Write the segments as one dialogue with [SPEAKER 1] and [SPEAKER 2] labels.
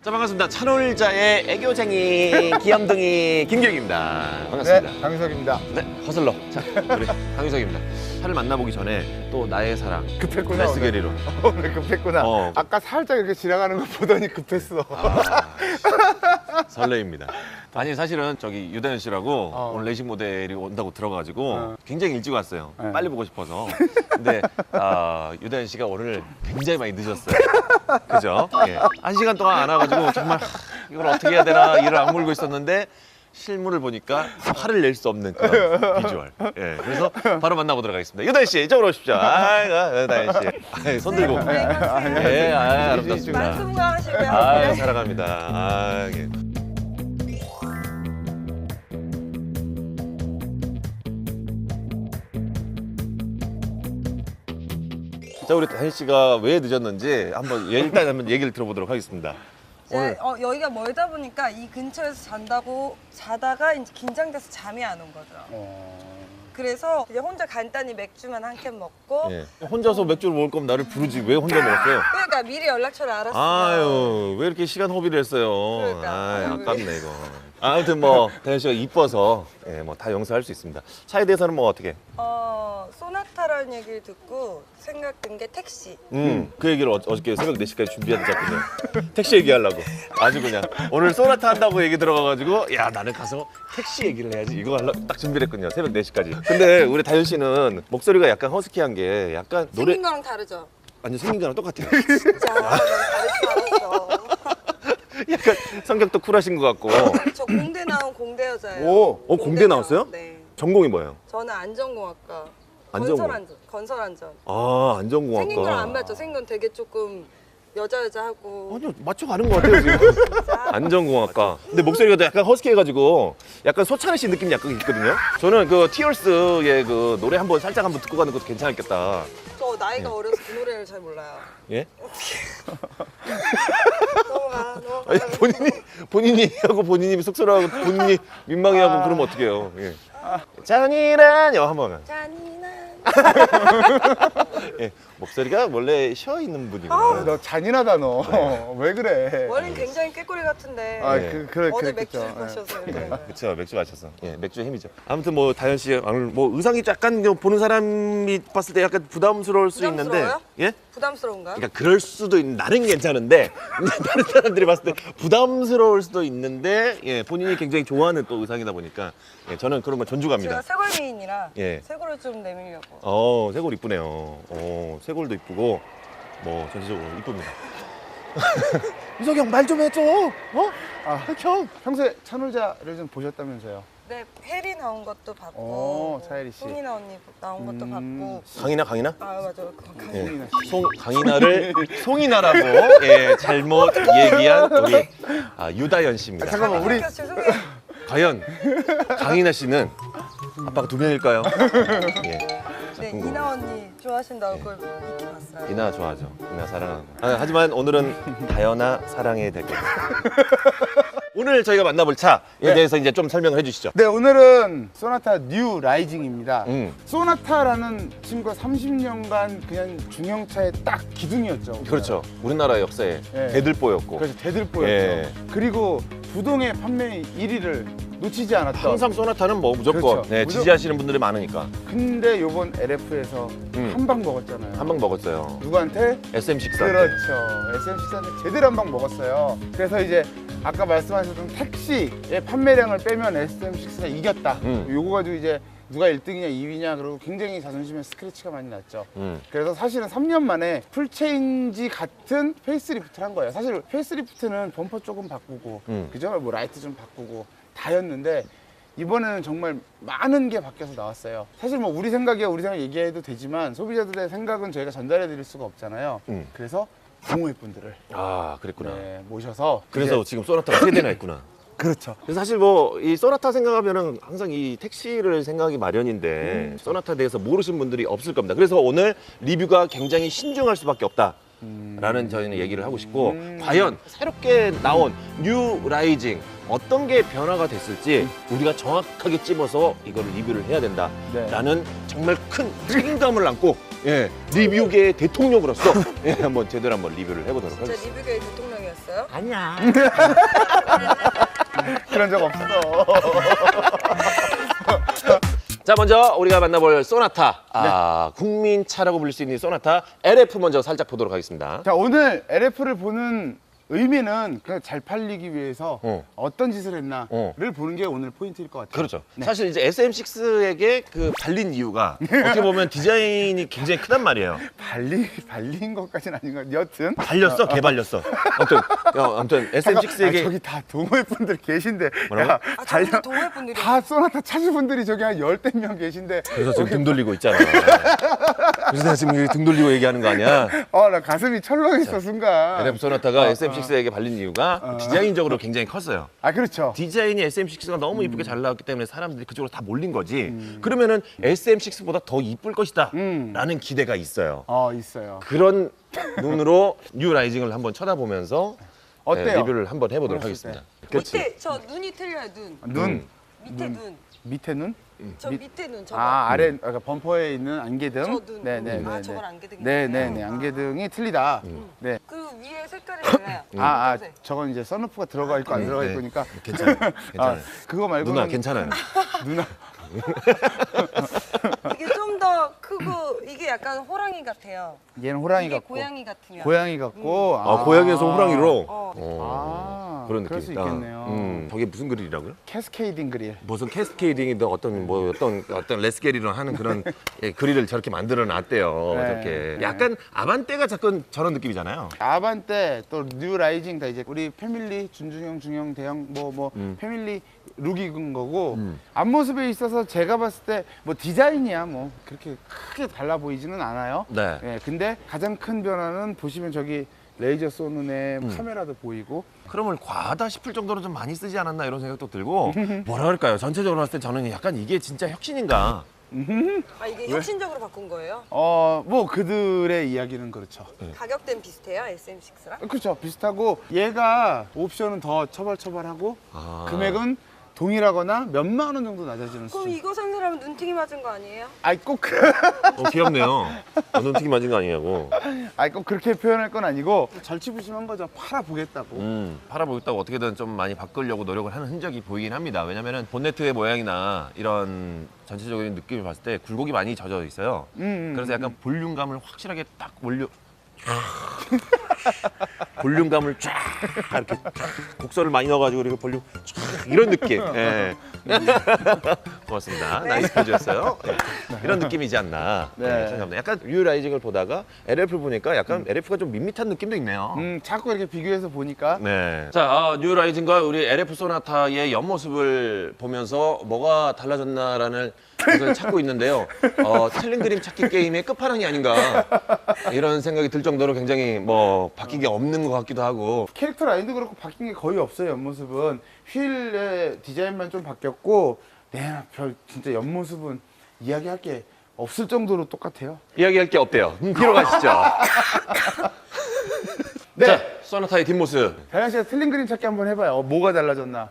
[SPEAKER 1] 자, 반갑습니다. 찬홀자의 애교쟁이 귀염둥이 김경입니다. 반갑습니다.
[SPEAKER 2] 네, 강유석입니다.
[SPEAKER 1] 네, 허슬러. 자, 우리 강유석입니다. 차를 만나보기 전에 또 나의 사랑
[SPEAKER 2] 급했구나.
[SPEAKER 1] 메스게리로.
[SPEAKER 2] 오늘 급했구나. 아까 살짝 이렇게 지나가는 거 보더니 급했어.
[SPEAKER 1] 설레입니다. 아니 사실은 저기 유다현 씨라고 오늘 레이싱 모델이 온다고 들어가지고 굉장히 일찍 왔어요.
[SPEAKER 2] 네.
[SPEAKER 1] 빨리 보고 싶어서. 근데 유다현 씨가 오늘 굉장히 많이 늦었어요. 그죠? 예. 1시간 동안 안 와가지고 정말 이걸 어떻게 해야 되나 이를 악물고 있었는데 실물을 보니까 화를 낼 수 없는 그런 비주얼. 예. 그래서 바로 만나보도록 하겠습니다. 유다현 씨 이쪽으로 오십시오. 유다현 씨. 손 들고. 예, 아름답습니다.
[SPEAKER 3] 말씀하시고요.
[SPEAKER 1] 사랑합니다. 예. 자, 우리 다현 씨가 왜 늦었는지 일단 한번 얘기를 들어보도록 하겠습니다. 오늘
[SPEAKER 3] 여기가 멀다 보니까 이 근처에서 자다가 이제 긴장돼서 잠이 안 온 거죠. 그래서 이제 혼자 간단히 맥주만 한 캔 먹고
[SPEAKER 1] 예. 혼자서 맥주를 먹을 거면 나를 부르지 왜 혼자 먹었어요?
[SPEAKER 3] 그러니까 미리 연락처를 알았어요.
[SPEAKER 1] 아유, 왜 이렇게 시간 허비를 했어요?
[SPEAKER 3] 그러니까.
[SPEAKER 1] 아유, 아깝네 이거. 아무튼 뭐 다현 씨가 이뻐서 뭐 다 용서할 수 있습니다. 차에 대해서는 뭐 어떻게?
[SPEAKER 3] 소나타라는 얘기를 듣고 생각든 게 택시.
[SPEAKER 1] 그 얘기를 어저께 새벽 4시까지 준비하셨거든요. 택시 얘기하려고. 아주 그냥 오늘 소나타 한다고 얘기 들어가가지고 야 나는 가서 택시 얘기를 해야지 이거 하려고 딱 준비를 했거든요. 새벽 4시까지. 근데 우리 다현 씨는 목소리가 약간 허스키한 게 약간 노래
[SPEAKER 3] 생긴 거랑 다르죠?
[SPEAKER 1] 완전 생긴 거랑 똑같아요.
[SPEAKER 3] 진짜 난 다르지 않았어.
[SPEAKER 1] 약간 성격도 쿨하신 것 같고.
[SPEAKER 3] 저 공대 나온 공대 여자예요.
[SPEAKER 1] 공대 나왔어요?
[SPEAKER 3] 네.
[SPEAKER 1] 전공이 뭐예요?
[SPEAKER 3] 저는 안전공학과.
[SPEAKER 1] 안전공학.
[SPEAKER 3] 건설안전.
[SPEAKER 1] 안전공학과.
[SPEAKER 3] 생긴 거랑 안 맞죠? 생긴 건 되게 조금 여자하고.
[SPEAKER 1] 아니요, 맞춰가는 것 같아요, 지금.
[SPEAKER 3] 진짜.
[SPEAKER 1] 안전공학과. 근데 목소리가 약간 허스키해가지고 약간 소찬희 씨 느낌이 약간 있거든요. 저는 그 티얼스의 그 노래 한번 살짝 한번 듣고 가는 것도 괜찮았겠다.
[SPEAKER 3] 저 나이가 어려서 그 노래를 잘 몰라요.
[SPEAKER 1] 예?
[SPEAKER 3] 넘어가.
[SPEAKER 1] 아니, 본인이 하고 본인이 쑥스러워하고 본인이 민망해하고 그러면 어떡해요. 예. 잔인한 여 한번.
[SPEAKER 3] 잔인한.
[SPEAKER 1] 예. 목소리가 원래 쉬어 있는 분이고.
[SPEAKER 2] 너 잔인하다 너. 왜 그래?
[SPEAKER 3] 원래는 굉장히 꾀꼬리 같은데
[SPEAKER 1] 네.
[SPEAKER 2] 그래
[SPEAKER 3] 어제
[SPEAKER 2] 그랬겠죠.
[SPEAKER 3] 맥주를 마셔서 이렇게.
[SPEAKER 1] 그렇죠, 맥주 마셔서. 예, 맥주의 힘이죠. 아무튼 뭐 다현 씨 오늘 뭐 의상이 약간 보는 사람이 봤을 때 약간 부담스러울 수 있는데,
[SPEAKER 3] 부담스러워요?
[SPEAKER 1] 예?
[SPEAKER 3] 부담스러운가요?
[SPEAKER 1] 그러니까 그럴 수도 있는 나는 괜찮은데 다른 사람들이 봤을 때 부담스러울 수도 있는데, 예, 본인이 굉장히 좋아하는 또 의상이다 보니까 예, 저는 그런 거
[SPEAKER 3] 제가
[SPEAKER 1] 존중합니다.
[SPEAKER 3] 쇄골 미인이라
[SPEAKER 1] 예.
[SPEAKER 3] 쇄골을 좀 내밀려고.
[SPEAKER 1] 쇄골 이쁘네요. 쇄골도 이쁘고 뭐 전체적으로 이쁩니다. 유석이 형 말 좀 해줘. 형.
[SPEAKER 2] 평소에 찬홀자를 좀 보셨다면서요?
[SPEAKER 3] 네, 혜리 나온 것도 봤고,
[SPEAKER 2] 차혜리 씨.
[SPEAKER 3] 송이나 언니 나온 것도 봤고.
[SPEAKER 1] 강이나?
[SPEAKER 3] 아 맞아요. 그건
[SPEAKER 1] 예.
[SPEAKER 2] 송이나
[SPEAKER 1] 강이나를 송이나라고 예, 잘못 얘기한 우리 유다현 씨입니다.
[SPEAKER 2] 잠깐만, 우리
[SPEAKER 3] 죄송해요.
[SPEAKER 1] 과연 강이나 씨는 아빠가 2명일까요? 예. 자,
[SPEAKER 3] 네,
[SPEAKER 1] 궁금해요.
[SPEAKER 3] 이나 언니 좋아하신다고 그걸 이렇게 봤어요.
[SPEAKER 1] 이나 좋아하죠. 이나 사랑하고. 하지만 오늘은 다현아 사랑해야 될 거예요. 오늘 저희가 만나볼 차에 대해서 이제 좀 설명을 해주시죠.
[SPEAKER 2] 네, 오늘은 소나타 뉴 라이징입니다.
[SPEAKER 1] 음.
[SPEAKER 2] 소나타라는 친구가 30년간 그냥 중형차의 딱 기둥이었죠.
[SPEAKER 1] 그렇죠. 우리나라 역사에
[SPEAKER 2] 예.
[SPEAKER 1] 대들보였고
[SPEAKER 2] 그래서 대들보였죠.
[SPEAKER 1] 예.
[SPEAKER 2] 그리고 부동의 판매 1위를 놓치지 않았던.
[SPEAKER 1] 항상 소나타는 뭐 무조건
[SPEAKER 2] 그렇죠.
[SPEAKER 1] 네,
[SPEAKER 2] 무조건.
[SPEAKER 1] 지지하시는 분들이 많으니까
[SPEAKER 2] 근데 요번 LF에서 한 방 먹었잖아요.
[SPEAKER 1] 한 방 먹었어요.
[SPEAKER 2] 누구한테?
[SPEAKER 1] SM64.
[SPEAKER 2] 그렇죠. SM64한테 제대로 한 방 먹었어요. 그래서 이제 아까 말씀하셨던 택시의 판매량을 빼면 SM64가 이겼다. 요거 가지고 이제 누가 1등이냐 2위냐 그러고 굉장히 자존심에 스크래치가 많이 났죠. 그래서 사실은 3년 만에 풀체인지 같은 페이스리프트를 한 거예요. 사실 페이스리프트는 범퍼 조금 바꾸고 그죠? 뭐 라이트 좀 바꾸고 다였는데 이번에는 정말 많은 게 바뀌어서 나왔어요. 사실 뭐 우리 생각 얘기해도 되지만 소비자들의 생각은 저희가 전달해 드릴 수가 없잖아요. 그래서 동호회분들을
[SPEAKER 1] 그랬구나.
[SPEAKER 2] 모셔서
[SPEAKER 1] 그래서
[SPEAKER 2] 이제
[SPEAKER 1] 지금 소나타가 3대나 있구나.
[SPEAKER 2] 그렇죠.
[SPEAKER 1] 그래서 사실 뭐 이 소나타 생각하면은 항상 이 택시를 생각이 마련인데 소나타에 대해서 모르시는 분들이 없을 겁니다. 그래서 오늘 리뷰가 굉장히 신중할 수밖에 없다. 라는 저희는 얘기를 하고 싶고 과연 새롭게 나온 뉴 라이징 어떤 게 변화가 됐을지 우리가 정확하게 찝어서 이걸 리뷰를 해야 된다라는 정말 큰 책임감을 안고 리뷰계의 대통령으로서 한번 제대로 한번 리뷰를 해보도록
[SPEAKER 3] 진짜
[SPEAKER 1] 하겠습니다.
[SPEAKER 3] 리뷰계의 대통령이었어요? 거예요?
[SPEAKER 1] 아니야.
[SPEAKER 2] 그런 적 없어.
[SPEAKER 1] 자, 먼저 우리가 만나볼 소나타. 국민차라고 불릴 수 있는 이 소나타 LF 먼저 살짝 보도록 하겠습니다.
[SPEAKER 2] 자, 오늘 LF를 보는 의미는 그냥 잘 팔리기 위해서 어떤 짓을 했나를 보는 게 오늘 포인트일 것 같아요.
[SPEAKER 1] 그렇죠.
[SPEAKER 2] 네.
[SPEAKER 1] 사실 이제 SM6에게 그 발린 이유가 어떻게 보면 디자인이 굉장히 크단 말이에요.
[SPEAKER 2] 발린 것까지는 아닌 것 같아요. 여튼
[SPEAKER 1] 발렸어, 개발렸어. 아무튼 SM6에게
[SPEAKER 2] 저기 다 동호회 분들 계신데
[SPEAKER 1] 뭐라고?
[SPEAKER 2] 야,
[SPEAKER 3] 아, 저기도 동호회 분들이
[SPEAKER 2] 다 소나타 차주 분들이 저기 한 10대 명 계신데
[SPEAKER 1] 그래서 지금 등 돌리고 있잖아. 그래서 내가 지금 등 돌리고 얘기하는 거 아니야?
[SPEAKER 2] 나 가슴이 철렁했어 순간.
[SPEAKER 1] LF 소나타가 SM6에게 발린 이유가 디자인적으로 굉장히 컸어요.
[SPEAKER 2] 아, 그렇죠.
[SPEAKER 1] 디자인이 SM6가 너무 이쁘게 잘 나왔기 때문에 사람들이 그쪽으로 다 몰린 거지. 그러면은 SM6보다 더 이쁠 것이다 라는 기대가 있어요.
[SPEAKER 2] 있어요.
[SPEAKER 1] 그런 눈으로 뉴 라이징을 한번 쳐다보면서
[SPEAKER 2] 어때요?
[SPEAKER 1] 리뷰를 한번 해보도록
[SPEAKER 2] 그랬을
[SPEAKER 1] 하겠습니다.
[SPEAKER 3] 밑에 저 눈이 틀려요. 눈.
[SPEAKER 2] 눈.
[SPEAKER 3] 밑에 눈.
[SPEAKER 2] 밑에 눈?
[SPEAKER 3] 저 밑에 눈 저거.
[SPEAKER 2] 아래 범퍼에 있는 안개등.
[SPEAKER 3] 저 눈.
[SPEAKER 2] 네네네.
[SPEAKER 3] 아, 저건 안개등이구나.
[SPEAKER 2] 네네네. 안개등이 틀리다. 네.
[SPEAKER 3] 그 위에 색깔이 달라요. 검정색.
[SPEAKER 2] 저건 이제 선루프가 들어가 있고 안 들어가
[SPEAKER 1] 네.
[SPEAKER 2] 있고니까.
[SPEAKER 1] 괜찮아요. 괜찮아요.
[SPEAKER 2] 그거 말고는
[SPEAKER 1] 누나 괜찮아요.
[SPEAKER 2] 누나.
[SPEAKER 3] 이게 좀 더 크고 이게 약간 호랑이 같아요.
[SPEAKER 2] 얘는 호랑이
[SPEAKER 3] 이게
[SPEAKER 2] 같고.
[SPEAKER 3] 고양이 같으면.
[SPEAKER 2] 고양이 같고.
[SPEAKER 1] 고양이에서 호랑이로
[SPEAKER 2] 그럴
[SPEAKER 1] 그런 느낌이다.
[SPEAKER 2] 수 있겠네요.
[SPEAKER 1] 저게 무슨 그릴이라고요?
[SPEAKER 2] 캐스케이딩 그릴.
[SPEAKER 1] 무슨 캐스케이딩이든 어떤 레스게리로 하는 그런 그릴을 저렇게 만들어 놨대요.
[SPEAKER 2] 네.
[SPEAKER 1] 저렇게
[SPEAKER 2] 네.
[SPEAKER 1] 약간 아반떼가 자꾸 저런 느낌이잖아요.
[SPEAKER 2] 아반떼 또 뉴 라이징 다 이제 우리 패밀리 준중형, 중형, 대형 뭐 패밀리 룩 입은 거고 앞모습에 있어서 제가 봤을 때 뭐 디자인이야 뭐 그렇게 크게 달라 보이지는 않아요.
[SPEAKER 1] 네.
[SPEAKER 2] 예, 근데 가장 큰 변화는 보시면 저기 레이저 쏘는 애 카메라도 보이고.
[SPEAKER 1] 크롬을 과하다 싶을 정도로 좀 많이 쓰지 않았나 이런 생각도 들고 뭐라 그럴까요? 전체적으로 봤을 때 저는 약간 이게 진짜 혁신인가?
[SPEAKER 3] 아, 이게 혁신적으로 바꾼 거예요?
[SPEAKER 2] 뭐 그들의 이야기는 그렇죠.
[SPEAKER 3] 가격대는 비슷해요, SM6랑?
[SPEAKER 2] 그렇죠. 비슷하고 얘가 옵션은 더 처벌하고
[SPEAKER 1] 아.
[SPEAKER 2] 금액은 동일하거나 몇만 원 정도 낮아지는
[SPEAKER 3] 그럼
[SPEAKER 2] 수준.
[SPEAKER 3] 이거 산 사람은 눈팅이 맞은 거 아니에요?
[SPEAKER 2] 아이 꼭
[SPEAKER 1] 귀엽네요. 눈튀기 맞은 거 아니냐고.
[SPEAKER 2] 아이 꼭 그렇게 표현할 건 아니고 절치부심한 거죠. 팔아보겠다고.
[SPEAKER 1] 팔아보겠다고 어떻게든 좀 많이 바꾸려고 노력을 하는 흔적이 보이긴 합니다. 왜냐면은 본네트의 모양이나 이런 전체적인 느낌을 봤을 때 굴곡이 많이 젖어 있어요. 그래서 약간 볼륨감을 확실하게 딱 볼륨감을 쫙 이렇게 쫙 곡선을 많이 넣어가지고 이렇게 볼륨 쫙 이런 느낌. 예. 고맙습니다. 나이스 포즈였어요. 네. 이런 느낌이지 않나 생각합니다. 약간 뉴 라이징을 보다가 LF를 보니까 약간 LF가 좀 밋밋한 느낌도 있네요.
[SPEAKER 2] 자꾸 이렇게 비교해서 보니까
[SPEAKER 1] 네. 자, 뉴 라이징과 우리 LF 소나타의 옆모습을 보면서 뭐가 달라졌나라는 것을 찾고 있는데요. 틀린 그림 찾기 게임의 끝판왕이 아닌가 이런 생각이 들 정도로 굉장히 뭐 바뀐 게 없는 것 같기도 하고.
[SPEAKER 2] 캐릭터 라인도 그렇고 바뀐 게 거의 없어요. 옆모습은 휠의 디자인만 좀 바뀌었고 별 진짜 옆모습은 이야기할 게 없을 정도로 똑같아요.
[SPEAKER 1] 이야기할 게 없대요. 뒤로 가시죠.
[SPEAKER 2] 네.
[SPEAKER 1] 자, 소나타의 뒷모습.
[SPEAKER 2] 다현 씨가 틀린 그림 찾기 한번 해봐요. 뭐가 달라졌나?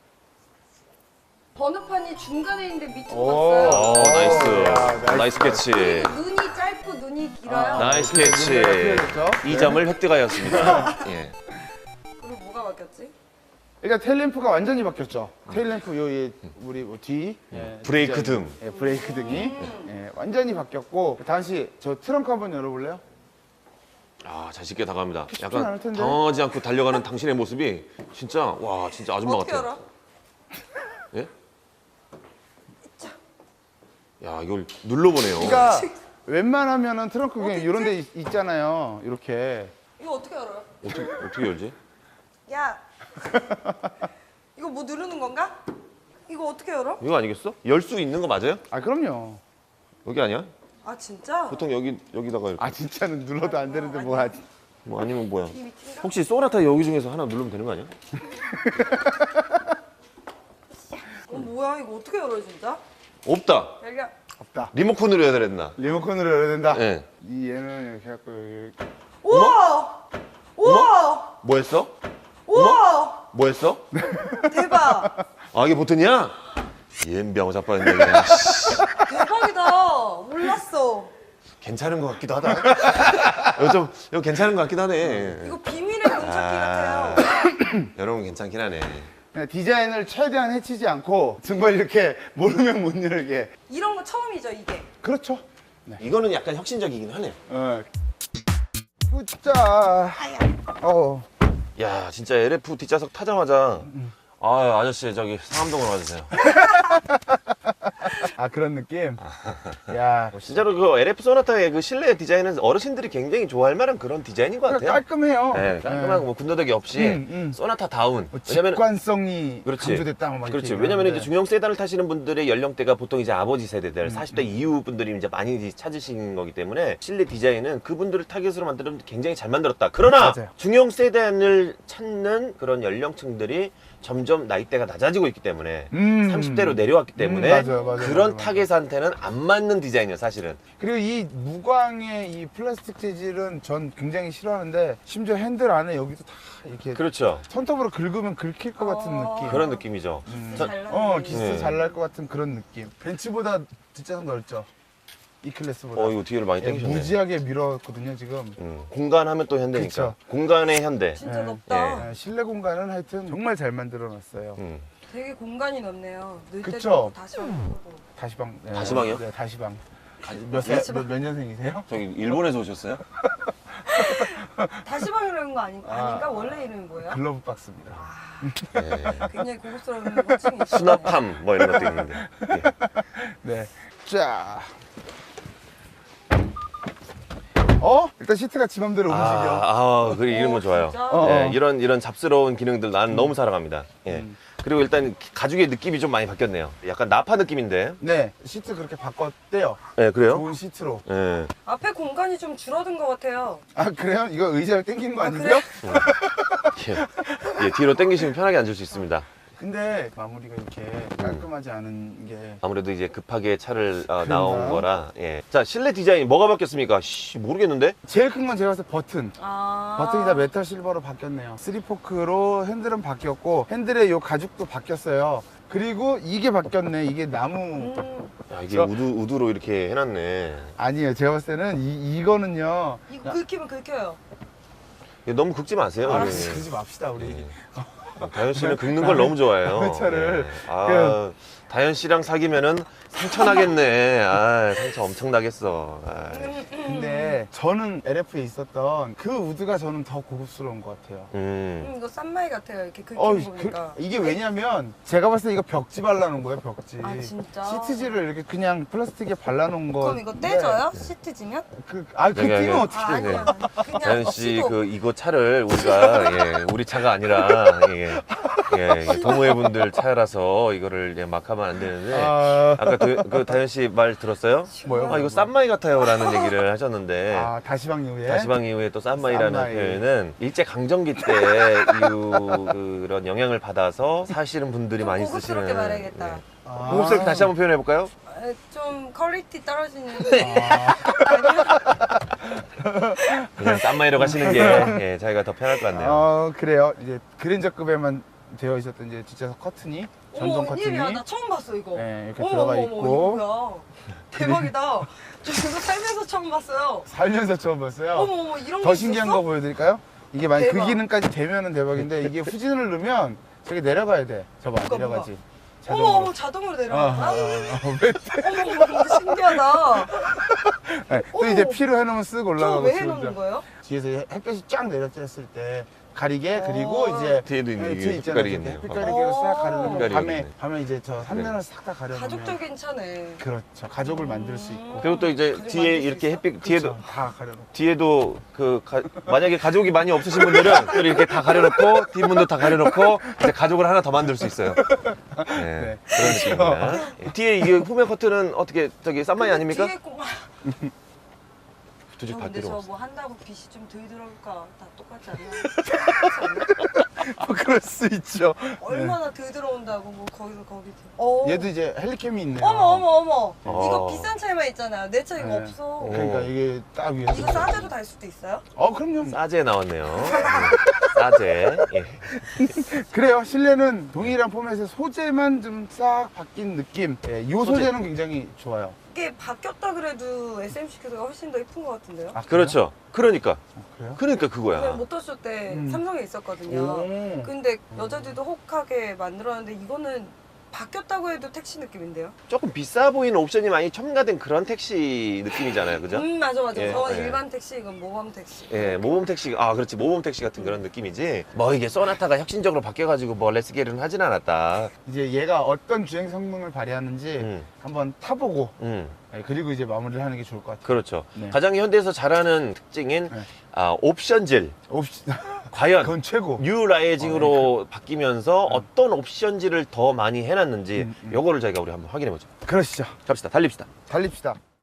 [SPEAKER 3] 번호판이 중간에 있는데 밑으로
[SPEAKER 2] 오.
[SPEAKER 3] 갔어요.
[SPEAKER 1] 나이스. 나이스 캐치.
[SPEAKER 3] 눈이 짧고 눈이 길어요.
[SPEAKER 1] 나이스 캐치.
[SPEAKER 2] 틀려졌죠?
[SPEAKER 1] 이 점을 획득하였습니다. 예.
[SPEAKER 3] 그리고 뭐가 바뀌었지?
[SPEAKER 2] 일단 테일램프가 완전히 바뀌었죠. 테일램프 우리 뒤
[SPEAKER 1] 브레이크
[SPEAKER 2] 디자인.
[SPEAKER 1] 등.
[SPEAKER 2] 예, 브레이크 등이 완전히 바뀌었고 다현 씨 저 트렁크 한번 열어볼래요?
[SPEAKER 1] 아, 자신있게 다가갑니다.
[SPEAKER 2] 쉽진
[SPEAKER 1] 약간
[SPEAKER 2] 않을 텐데.
[SPEAKER 1] 당황하지 않고 달려가는 당신의 모습이 진짜 와, 진짜 아줌마
[SPEAKER 3] 어떻게
[SPEAKER 1] 같아요.
[SPEAKER 3] 알아?
[SPEAKER 1] 예? 야, 이걸 눌러보네요.
[SPEAKER 2] 그러니까 웬만하면은 트렁크 그냥 이런 데 있잖아요. 이렇게.
[SPEAKER 3] 이거 어떻게 알아요?
[SPEAKER 1] 어떻게 열지?
[SPEAKER 3] 야, 이거 뭐 누르는 건가? 이거 어떻게 열어?
[SPEAKER 1] 이거 아니겠어? 열 수 있는 거 맞아요?
[SPEAKER 2] 아 그럼요.
[SPEAKER 1] 여기 아니야?
[SPEAKER 3] 아 진짜?
[SPEAKER 1] 보통 여기다가 이렇게.
[SPEAKER 2] 아 진짜는 눌러도 안 되는데 뭐 하지?
[SPEAKER 1] 뭐 아니면 뭐야?
[SPEAKER 3] 이 밑인가?
[SPEAKER 1] 혹시 소나타 여기 중에서 하나 누르면 되는 거 아니야?
[SPEAKER 3] 뭐야 이거 어떻게 열어 진짜?
[SPEAKER 1] 없다.
[SPEAKER 3] 열려.
[SPEAKER 2] 없다.
[SPEAKER 1] 리모컨으로 해야 되나?
[SPEAKER 2] 리모컨으로 열어야 된다.
[SPEAKER 1] 예.
[SPEAKER 2] 이 얘는 이렇게 해갖고 이렇게.
[SPEAKER 3] 우와! 우와!
[SPEAKER 1] 뭐 했어?
[SPEAKER 3] 우와!
[SPEAKER 1] 뭐 했어?
[SPEAKER 3] 대박!
[SPEAKER 1] 아, 이게 보튼이야? 옌병 자빠졌네 그냥.
[SPEAKER 3] 대박이다. 몰랐어.
[SPEAKER 1] 괜찮은 것 같기도 하다. 이거 괜찮은 것 같기도 하네.
[SPEAKER 3] 이거 비밀의 문찾기 같아요.
[SPEAKER 1] 여러분 괜찮긴 하네.
[SPEAKER 2] 그냥 디자인을 최대한 해치지 않고 정말 이렇게 모르면 못 열게.
[SPEAKER 3] 이런 거 처음이죠, 이게.
[SPEAKER 2] 그렇죠.
[SPEAKER 1] 이거는 약간 혁신적이긴 하네.
[SPEAKER 2] 자,
[SPEAKER 1] 야, 진짜 LF 뒷좌석 타자마자 아, 아저씨 저기 상암동으로 와주세요.
[SPEAKER 2] 아 그런 느낌. 야,
[SPEAKER 1] 진짜로 그 LF 소나타의 그 실내 디자인은 어르신들이 굉장히 좋아할 만한 그런 디자인인 것 같아요.
[SPEAKER 2] 깔끔해요.
[SPEAKER 1] 네, 깔끔하고 뭐 군더더기 없이 소나타 다운.
[SPEAKER 2] 뭐
[SPEAKER 1] 왜냐면
[SPEAKER 2] 직관성이
[SPEAKER 1] 그렇지.
[SPEAKER 2] 강조됐다. 막
[SPEAKER 1] 그렇지.
[SPEAKER 2] 이렇게
[SPEAKER 1] 왜냐면 이제
[SPEAKER 2] 얘기하는데.
[SPEAKER 1] 중형 세단을 타시는 분들의 연령대가 보통 이제 아버지 세대들, 40대 이후 분들이 이제 많이 찾으시는 거기 때문에 실내 디자인은 그분들을 타겟으로 만드는 굉장히 잘 만들었다. 그러나
[SPEAKER 2] 맞아요.
[SPEAKER 1] 중형 세단을 찾는 그런 연령층들이 점점 나이대가 낮아지고 있기 때문에 30대로 내려왔기 때문에
[SPEAKER 2] 맞아요.
[SPEAKER 1] 그런
[SPEAKER 2] 맞아요.
[SPEAKER 1] 타겟한테는 안 맞는 디자인이에요, 사실은.
[SPEAKER 2] 그리고 이 무광의 이 플라스틱 재질은 전 굉장히 싫어하는데 심지어 핸들 안에 여기도 다 이렇게
[SPEAKER 1] 그렇죠.
[SPEAKER 2] 손톱으로 긁으면 긁힐 것 같은 느낌.
[SPEAKER 1] 그런 느낌이죠. 저-
[SPEAKER 3] 잘 나네.
[SPEAKER 2] 기스
[SPEAKER 1] 네.
[SPEAKER 2] 잘 날 것 같은 그런 느낌. 벤츠보다 뒷좌석 넓죠. 이 클래스보다.
[SPEAKER 1] 이거 뒤를 많이
[SPEAKER 2] 예,
[SPEAKER 1] 당기셨네.
[SPEAKER 2] 무지하게 밀었거든요 지금.
[SPEAKER 1] 공간하면 또 현대니까.
[SPEAKER 2] 그쵸.
[SPEAKER 1] 공간의 현대.
[SPEAKER 3] 진짜
[SPEAKER 2] 예.
[SPEAKER 3] 높다.
[SPEAKER 2] 실내 공간은 하여튼 정말 잘 만들어놨어요.
[SPEAKER 3] 되게 공간이 넓네요. 늘 때도
[SPEAKER 2] 그쵸.
[SPEAKER 3] 없고 다시 오고.
[SPEAKER 2] 다시방. 네.
[SPEAKER 1] 다시방이요?
[SPEAKER 2] 네, 다시방.
[SPEAKER 3] 다시방.
[SPEAKER 2] 몇 년생이세요?
[SPEAKER 1] 저기 일본에서 오셨어요?
[SPEAKER 3] 다시방 이러는 거 아닌가? 원래 이름이 뭐예요?
[SPEAKER 2] 글러브 박스입니다.
[SPEAKER 1] 네.
[SPEAKER 3] 굉장히 고급스러운 호칭이 있어요.
[SPEAKER 1] 수납함 뭐 이런 것도 있는데. 예.
[SPEAKER 2] 네. 자. 일단 시트가 지 맘대로 움직여.
[SPEAKER 1] 그래 이런 거 좋아요.
[SPEAKER 3] 진짜?
[SPEAKER 1] 예, 이런 잡스러운 기능들 나는 너무 사랑합니다. 예. 그리고 일단 가죽의 느낌이 좀 많이 바뀌었네요. 약간 나파 느낌인데.
[SPEAKER 2] 네. 시트 그렇게 바꿨대요.
[SPEAKER 1] 예, 그래요?
[SPEAKER 2] 좋은 시트로.
[SPEAKER 1] 예.
[SPEAKER 3] 앞에 공간이 좀 줄어든 것 같아요.
[SPEAKER 2] 아 그래요? 이거 의자를 당긴 거
[SPEAKER 3] 아,
[SPEAKER 2] 아니고요?
[SPEAKER 3] 그래?
[SPEAKER 1] 예, 뒤로 당기시면 편하게 앉을 수 있습니다.
[SPEAKER 2] 근데 마무리가 이렇게 깔끔하지 않은 게
[SPEAKER 1] 아무래도 이제 급하게 차를 나온 거라. 예. 자, 실내 디자인 뭐가 바뀌었습니까? 모르겠는데.
[SPEAKER 2] 제일 큰 건 제가 봤을 때 버튼.
[SPEAKER 3] 아.
[SPEAKER 2] 버튼이 다 메탈 실버로 바뀌었네요. 3포크로 핸들은 바뀌었고 핸들의 요 가죽도 바뀌었어요. 그리고 이게 바뀌었네. 이게 나무
[SPEAKER 1] 야, 이게
[SPEAKER 2] 저-
[SPEAKER 1] 우드로 이렇게 해놨네.
[SPEAKER 2] 아니에요. 제가 봤을 때는 이거는요.
[SPEAKER 3] 이거 긁히면 긁혀요.
[SPEAKER 1] 이거 너무 긁지 마세요.
[SPEAKER 2] 알았어,
[SPEAKER 1] 예.
[SPEAKER 2] 그러지 맙시다 우리.
[SPEAKER 1] 예. 다현 씨는 긁는 걸 너무 좋아해요.
[SPEAKER 2] 차를.
[SPEAKER 1] 예. 다현 씨랑 사귀면은 상처 나겠네. 상처 엄청 나겠어.
[SPEAKER 2] 근데 저는 LF에 있었던 그 우드가 저는 더 고급스러운 것 같아요.
[SPEAKER 3] 이거 쌈마이 같아요. 이렇게 긁히는 거 보니까.
[SPEAKER 2] 이게 왜냐면 제가 봤을 때 이거 벽지 발라놓은 거예요, 벽지.
[SPEAKER 3] 아, 진짜?
[SPEAKER 2] 시트지를 이렇게 그냥 플라스틱에 발라놓은 거.
[SPEAKER 3] 그럼 이거 떼져요? 시트 지면?
[SPEAKER 2] 그
[SPEAKER 1] 여기,
[SPEAKER 2] 뛰면
[SPEAKER 1] 여기.
[SPEAKER 2] 어떻게 돼?
[SPEAKER 3] 아니야. 그냥
[SPEAKER 1] 다현 씨
[SPEAKER 3] 없이도.
[SPEAKER 1] 이거 차를 우리가 우리 차가 아니라 이게 동호회분들 차라서 이거를 막 하면 안 되는데 아까 그 다현 씨 말 들었어요?
[SPEAKER 2] 뭐요?
[SPEAKER 1] 이거 쌈마이 같아요라는 얘기를 하셨는데
[SPEAKER 2] 다시방 이후에.
[SPEAKER 1] 다시방 이후에 또 쌈마이라는
[SPEAKER 2] 쌈마이.
[SPEAKER 1] 표현은 일제 강점기 때 그런 영향을 받아서 사시는 분들이
[SPEAKER 3] 좀
[SPEAKER 1] 많이
[SPEAKER 3] 고급스럽게
[SPEAKER 1] 쓰시는
[SPEAKER 3] 말해야겠다.
[SPEAKER 1] 고급스럽게 다시 한번 표현해 볼까요?
[SPEAKER 3] 좀 퀄리티 떨어지는.
[SPEAKER 1] 그냥 쌈마이로 가시는 게 자기가 더 편할 것 같네요.
[SPEAKER 2] 그래요. 이제 그랜저급에만 되어 있었던 이제 뒷좌석 커튼이 전동
[SPEAKER 3] 어머,
[SPEAKER 2] 커튼이
[SPEAKER 3] 웬일이야. 나 처음 봤어 이거.
[SPEAKER 2] 네, 이렇게
[SPEAKER 3] 어머,
[SPEAKER 2] 들어가
[SPEAKER 3] 어머,
[SPEAKER 2] 있고.
[SPEAKER 3] 이거 뭐야. 대박이다. 저 이거 살면서 처음 봤어요.
[SPEAKER 2] 살면서 처음 봤어요.
[SPEAKER 3] 어머 이런
[SPEAKER 2] 더
[SPEAKER 3] 거
[SPEAKER 2] 신기한
[SPEAKER 3] 있었어?
[SPEAKER 2] 거 보여드릴까요? 이게 만약 그
[SPEAKER 3] 대박.
[SPEAKER 2] 기능까지 되면은 대박인데 이게 후진을 누르면 저기 내려가야 돼. 저봐
[SPEAKER 3] 뭐가,
[SPEAKER 2] 내려가지.
[SPEAKER 3] 어머 자동으로 내려가.
[SPEAKER 2] 왜?
[SPEAKER 3] 어머 신기하다.
[SPEAKER 2] 네, 또
[SPEAKER 3] 어머.
[SPEAKER 2] 이제 피로 해놓으면 쓱
[SPEAKER 3] 저거
[SPEAKER 2] 올라가고.
[SPEAKER 3] 왜 해놓는 거예요?
[SPEAKER 2] 뒤에서 햇볕이 쫙 내렸을 때 가리개 그리고 이제
[SPEAKER 1] 뒤에도 있는
[SPEAKER 2] 네,
[SPEAKER 1] 이게
[SPEAKER 2] 뒤에 있잖아요.
[SPEAKER 1] 햇가리겠네요.
[SPEAKER 2] 햇빛 가리개로 싹 가려놓으면
[SPEAKER 1] 햇가리가
[SPEAKER 2] 밤에
[SPEAKER 1] 있네.
[SPEAKER 2] 밤에 이제 저 삼면을 싹 다 가려놓으면
[SPEAKER 3] 가족적인 차네.
[SPEAKER 2] 그렇죠. 가족을 만들 수 있고.
[SPEAKER 1] 그리고 또 이제
[SPEAKER 3] 가족
[SPEAKER 1] 뒤에
[SPEAKER 3] 만들 수
[SPEAKER 1] 이렇게
[SPEAKER 3] 있어?
[SPEAKER 1] 햇빛 뒤에도
[SPEAKER 2] 그렇죠. 다 가려놓고.
[SPEAKER 1] 뒤에도 만약에 가족이 많이 없으신 분들은 또 이렇게 다 가려놓고 뒷문도 다 가려놓고 이제 가족을 하나 더 만들 수 있어요. 네, 그런 느낌입니다. 예, 뒤에 이게 후면 커튼은 어떻게 저기 쌈마이 아닙니까?
[SPEAKER 3] 뒤에 꼬마.
[SPEAKER 1] 두 집 다
[SPEAKER 3] 근데
[SPEAKER 1] 필요
[SPEAKER 3] 저
[SPEAKER 1] 없어.
[SPEAKER 3] 뭐 한다고 빛이 좀 덜 들어올까? 다 똑같지 않나?
[SPEAKER 2] 그럴 수 있죠.
[SPEAKER 3] 얼마나 덜 들어온다고 뭐 거기서 거기. 어.
[SPEAKER 2] 얘도 이제 헬리캠이 있네요.
[SPEAKER 3] 어머.
[SPEAKER 1] 어.
[SPEAKER 3] 이거 비싼 차에만 있잖아요. 내 차 이거
[SPEAKER 1] 네.
[SPEAKER 3] 없어.
[SPEAKER 2] 그러니까 이게 딱 위에서.
[SPEAKER 3] 이거 싸제도 달 수도 있어요?
[SPEAKER 2] 그럼요.
[SPEAKER 1] 싸제 나왔네요. 싸제. 예.
[SPEAKER 2] 그래요. 실내는 동일한 포맷의 소재만 좀 싹 바뀐 느낌. 이 소재는 굉장히 좋아요.
[SPEAKER 3] 이게 바뀌었다 그래도 SM6가 훨씬 더 이쁜 것 같은데요?
[SPEAKER 2] 아, 그래요?
[SPEAKER 1] 그렇죠. 그러니까.
[SPEAKER 2] 그래요?
[SPEAKER 1] 그러니까
[SPEAKER 3] 제가
[SPEAKER 1] 그거야.
[SPEAKER 3] 모터쇼 때
[SPEAKER 2] 음.
[SPEAKER 3] 삼성에 있었거든요.
[SPEAKER 2] 오.
[SPEAKER 3] 근데 여자들도 혹하게 만들었는데 이거는 바뀌었다고 해도 택시 느낌인데요?
[SPEAKER 1] 조금 비싸 보이는 옵션이 많이 첨가된 그런 택시 느낌이잖아요. 그죠?
[SPEAKER 3] 맞아.
[SPEAKER 1] 예,
[SPEAKER 3] 저건
[SPEAKER 1] 예.
[SPEAKER 3] 일반 택시, 이건 모범 택시.
[SPEAKER 1] 예, 모범 택시, 아, 그렇지. 모범 택시 같은 그런 느낌이지. 뭐 이게 소나타가 혁신적으로 바뀌어가지고 뭐 렛츠기는 하진 않았다.
[SPEAKER 2] 이제 얘가 어떤 주행 성능을 발휘하는지
[SPEAKER 1] 음.
[SPEAKER 2] 한번 타보고
[SPEAKER 1] 음,
[SPEAKER 2] 그리고 이제 마무리를 하는 게 좋을 것 같아요.
[SPEAKER 1] 그렇죠.
[SPEAKER 2] 네.
[SPEAKER 1] 가장 현대에서 잘하는 특징인
[SPEAKER 2] 네.
[SPEAKER 1] 옵션질.
[SPEAKER 2] 옵션
[SPEAKER 1] 과연
[SPEAKER 2] 그건 최고.
[SPEAKER 1] 뉴 라이징으로 바뀌면서 어떤 옵션질을 더 많이 해놨는지 요거를 저희가 우리 한번 확인해 보죠.
[SPEAKER 2] 그러시죠.
[SPEAKER 1] 갑시다. 달립시다.
[SPEAKER 2] 달립시다.